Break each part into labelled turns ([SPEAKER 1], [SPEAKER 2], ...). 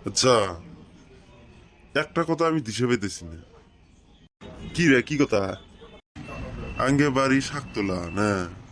[SPEAKER 1] আচ্ছা, একটা কথা আমি দিশে পাইতেছি না। কি রে, কি কথা? আগে বাড়ি শাক তোলা না?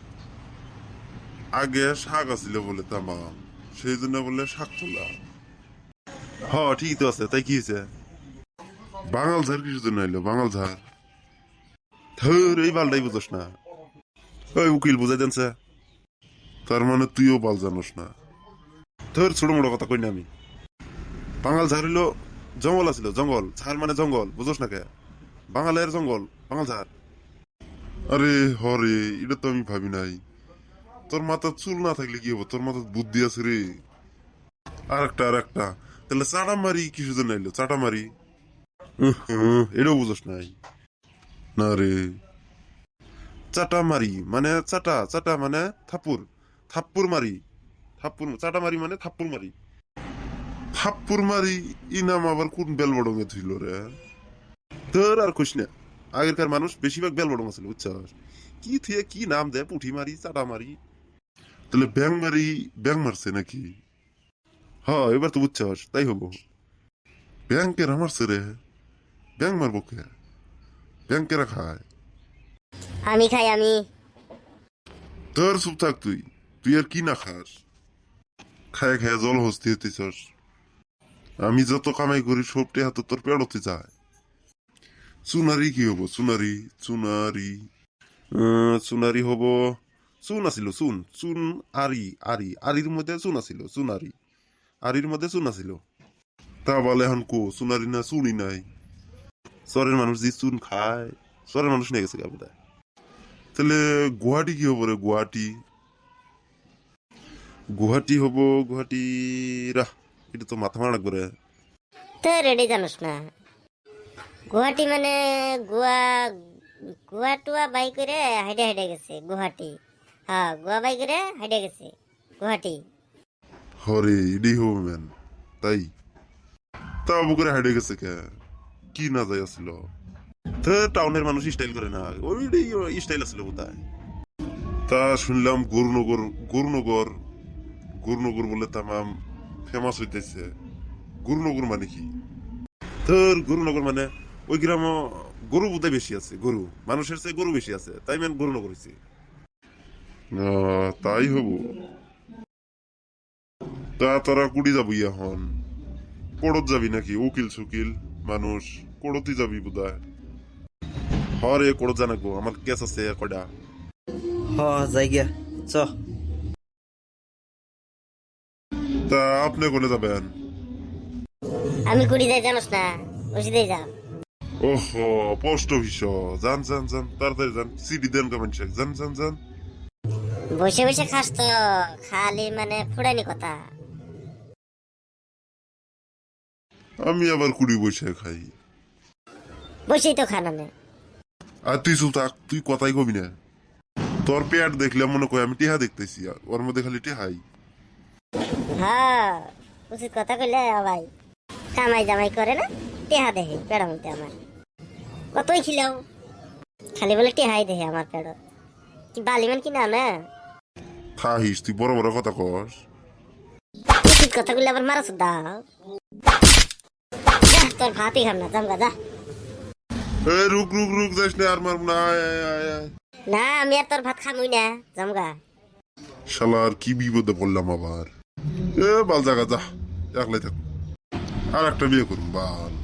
[SPEAKER 1] আগে শাক আছিল বলে তামাম, সেই জন্য বলে শাক তোলা। হ, ঠিকই তো আছে, তাই কি হয়েছে? বাঙাল ঝাড় কিসের জন্য এলো বাঙাল ঝাড়? ধর, এই বালটাই বুঝোস না। ওই উকিল বুঝাই দেনছে। তার মানে তুইও বাল জানোস না। ধর, ছোট মোটো কথা কই না আমি। বাঙাল ঝাড় হইলো জঙ্গল আছিল, জঙ্গল। ঝাড় মানে জঙ্গল, বুঝোস না কে? বাঙালের জঙ্গল, বাঙাল ঝাড়। আরে হরে, এটা তো আমি ভাবি নাই। তোর মাথার চুল না থাকলে কি হবো? তোর মাথার বুদ্ধি আছে রে। আর একটা তাহলে চাটা মারি কিছু জন্য এলো চাটা মারি? এটাও বুঝোস নাই? না রে, চাটা মারি মানে চাটা চাটা মানে থাপ্পুর। থাপ্পুর মারি। থাপ্পুর চাটা মারি মানে থাপ্পুর মারি। থাপ্পুর মারি। ই নাম আবার কোন বেলবডঙে থইল রে? তোর আর কইস না। আগেরকার মানুষ বেশিরভাগ বেলবডং আছিল, বুঝছস? কি থিয়ে কি নাম দেয়, পুঁঠি মারি, চাটা মারি। তাহলে ব্যাং মারি। ব্যাং মারছে নাকি? হ্যাঁ, এবার তো বুঝছস, তাই হবো। ব্যাংকের মারছে রে। ব্যাং মারবো কে? ব্যাংকেরা খায়।
[SPEAKER 2] আমি খাই আমি।
[SPEAKER 1] তোর চুপ থাক তুই। তুই আর কি না খাস? খায় খায় জল হস্তি হইতেছস। আমি যত কামাই করি সব টেহা তো তোর পেড়তে যায়। চুনারি কি হবো? চুনারি। চুনারি। চুনারি হবো। চুন আছিল, চুন চুন। আরি আরি আরির মধ্যে চুন আছিল, চুনারি। আরির মধ্যে চুন আছিল। তা বলে এখন কো চুনারি না চুনি নাই? চরের মানুষ যে চুন খায়, চরের মানুষ নিয়ে গেছে গাবুদা। তাহলে গুয়াহাটি কি হবো রে? গুয়াহাটি। গুয়াহাটি হবো। গুয়াহাটি। রাহ, এটা তো মাথা মারা লাগবে রে।
[SPEAKER 2] তো রেডি জানোস না? গুয়াহাটি মানে গোয়া। গোয়া টুয়া বাই করে হাইডে হাইডে গেছে গুয়াহাটি। হ্যাঁ, গোয়া বাই করে হাইডে গেছে গুয়াহাটি।
[SPEAKER 1] হরে, এটাই হবো ম্যান। তাই? তা বুকের হাইডে গেছে কে? কি না যাই আসছিল? তো টাউনের মানুষ স্টাইল করে না, ওই স্টাইল আছিল বোধহয়। তা শুনলাম গুরুনগর। গুরুনগর। গুরুনগর বলে তামাম ফেমাস হইতেছে। গুরুনগর মানে কি? তোর গুরুনগর মানে ওই গ্রাম। গরু বোধহয় বেশি আছে, গরু মানুষের চেয়ে গরু বেশি আছে, তাই মেন গুরুনগর হয়েছে। তাই হবো। তা তোরা কুড়ি যাবি এখন? কোড়ত যাবি নাকি? উকিল সুকিল মানুষ। কোড়তই যাবি বোধহয়। হরে, কোড়ত জানাকবো, আমার কেস আছে কয়টা।
[SPEAKER 3] হ যাই গিয়া চ।
[SPEAKER 1] তা আপনি কোনে যাবেন?
[SPEAKER 2] আমি কুড়ি যাই জানোস না? ওষুধে যা।
[SPEAKER 1] ওহো, পোস্ট অফিস। যান যান যান, তাড়াতাড়ি যান, সিডি দেন কমেন্ট শেখ, যান যান যান।
[SPEAKER 2] বসে বসে খাস তো? খালি মানে ফুড়ানি কথা।
[SPEAKER 1] আমি আবার কুড়ি বসে খাই?
[SPEAKER 2] বসেই তো খানা না।
[SPEAKER 1] আর তুই চুপ থাক, তুই কথাই কবি না। তোর পেট দেখলে মনে করি আমি টেহা দেখতেছি, আর ওর মধ্যে খালি টেহাই।
[SPEAKER 2] হ্যাঁ, উচিত কথা কইলে ভাই। কামাই জামাই করে না, টেহা দেহে পেড়া মধ্যে আমার। কতই খিলাও, খালি বলে টেহাই দেহে আমার পেড়। কি বালিমান কি না না?
[SPEAKER 1] খাহিস তুই, বড় বড় কথা কস।
[SPEAKER 2] উচিত কথা কইলে আবার মারা দাও। যা, তোর ভাতই খাম না, জামগা যা।
[SPEAKER 1] এ রুক রুক রুক, যাস না, আর মারব না, আয় আয় আয় আয়।
[SPEAKER 2] না, আমি আর তোর ভাত খামুই না, জামগা।
[SPEAKER 1] শালার কি বিপদে পড়লাম আবার। এ বাল জাগা যা, একলাই থাক। আর একটা বিয়ে করুন বাল।